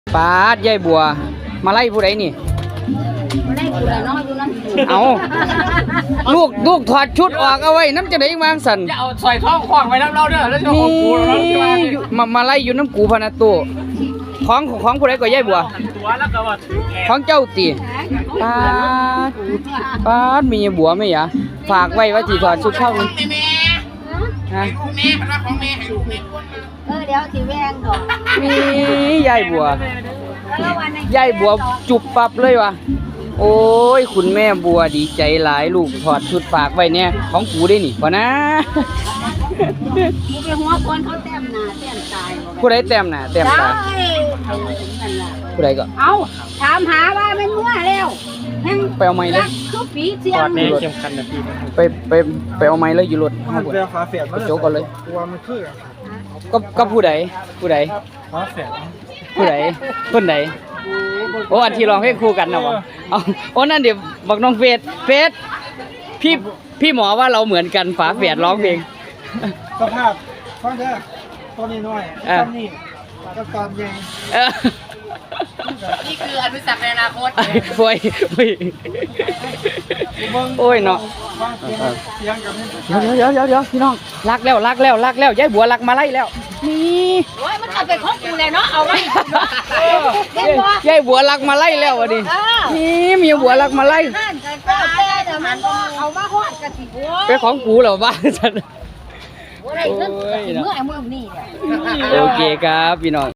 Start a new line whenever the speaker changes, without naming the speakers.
ปาดยายบัวมาไล่ผู้ใดนี่
ไม่ได้กูเลยน้อยดูนั่นกู
เอาลูกถอดชุดออกเอาไว้น้ำจะได้วางสัน
จะเอาซอยท้องขวางไว้น้ำเราเด้อแล้วจะของกูเราที่ว่า
มาไล่อยู่น้ำกูพนาตู้ของผู้ใดก็ยายบัว
ตัวแล้วก็ว่า
ของเจ้าตีปาดปาดมีบัวไหมยะฝากไว้ว่าจีถอดชุดเข้านี่ฮะ
เดี๋ยวสีแวงก่อน
มียายบัว
แล้ววันนี้
ยายบัวจุบปับเลยวะโอ้ยคุณแม่บัวดีใจหลายลูกถอดชุดฝากไว้เนี่ยของกูได้นี่พอนะ
กูไปหัวคนเขาแต้มหน้าแต้มตาย
ผู้ใดแต้มหน้าแต้มตาผู้ใดก็
เอาถามหาว่ามันมั่วแล้วยัง
ไปเอาไม้เลย
คือปีเสีย
กอง ดเนี่ยเข้มขันนะพี่
ไปเอาไม้เลยอยู่รถห้องบน
เรือฟ้าแฝด
กระโจกกันเลย
ตัวมันคือ
ก็ผู้ใด
ฟ้าแฝด
ผู้ใดคนใดโอ้อันที่ร้องเพลงคู่กันนะวะเอาโอ้นั่นเดี๋ยวบอกน้องเฟสพี่หมอว่าเราเหมือนกันฝาแฝดร้องเพลง
สภาพฟังเด้อตัวนี้น้อยตอนนี้ก็ตอนใหญ่
เออ
นี่คืออนุสักในอนาคต
ป่วยโอ้ยเนาะ
ฟังเสียงกับนี่
เดี๋ยวพี่น้องรักแล้วยายบัวรักมาไล่แล้วนี่
โอ้ยมันเอาไปของกูเลยเนาะเอาไว้เด็กบ่
ยายบัวรักมาไล่แล้วอ่ะดินี่มีบัวรักมาไล่
นั่นก็แต่เดี๋ยวมันก็เอามาฮอดกันสิโว้ย
เป็นของกูเหรอบ้าฉัน
โอ้ยเมื่อนี่เนี่ย
โอเคครับพี่น้อง